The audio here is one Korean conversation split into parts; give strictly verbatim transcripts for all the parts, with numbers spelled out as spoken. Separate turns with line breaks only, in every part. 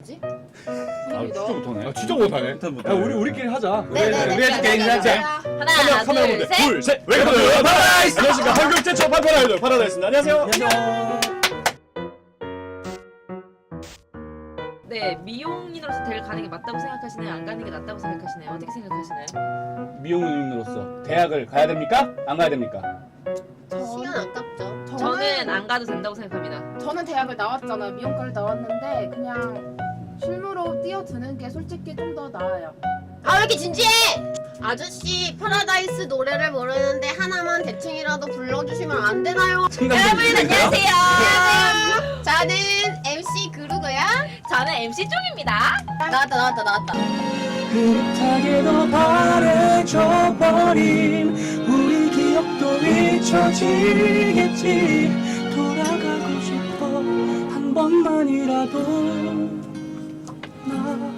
아, 진짜 못하네. 아, 진짜
못하네.
야, 우리 우리끼리 하자.
네네네.
우리 해줄게, 우리 해줄게.
하나,
카메라
둘,
보자.
셋.
둘, 셋. 웰컴 투 파라다이스. 안녕하십니까. 한국 최초 판판 아이돌 파라다이스입니다. 안녕하세요.
안녕.
네, 미용인으로서 대를 가는 게 맞다고 생각하시나요? 안 가는 게 낫다고 생각하시나요? 어떻게 생각하시나요?
미용인으로서 대학을 가야 됩니까? 안 가야 됩니까?
시간 아깝죠.
저는 안 가도 된다고 생각합니다.
저는 대학을 나왔잖아요. 미용과를 나왔는데 그냥 실무로 뛰어드는 게 솔직히 좀 더 나아요.
아, 왜 이렇게 진지해? 아저씨 파라다이스 노래를 모르는데 하나만 대충이라도 불러주시면 안 되나요?
여러분 안녕하세요.
안녕하세요. 저는 엠씨 그루고요.
저는 엠씨 쪽입니다.
나왔다 나왔다 나왔다.
흐릿하게도 바래져 버린 우리 기억도 잊혀지겠지. 돌아가고 싶어 한 번만이라도 나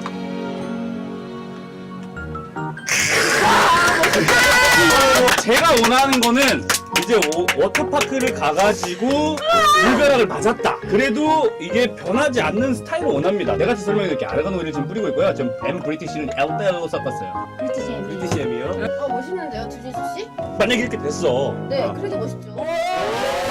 제가 원하는 거는 이제 오, 워터파크를 가가지고 물벼락을 맞았다. 그래도 이게 변하지 않는 스타일을 원합니다. 내가 지금 설명해드릴게. 아르간 오일을 지금 뿌리고 있고요. 지금 M 브리티시는 엘델로 섞었어요.
브리티시 엠.
브리티시 M이요.
어 멋있는데요, 주진수 씨?
만약에 이렇게 됐어.
네,
아,
그래도 멋있죠.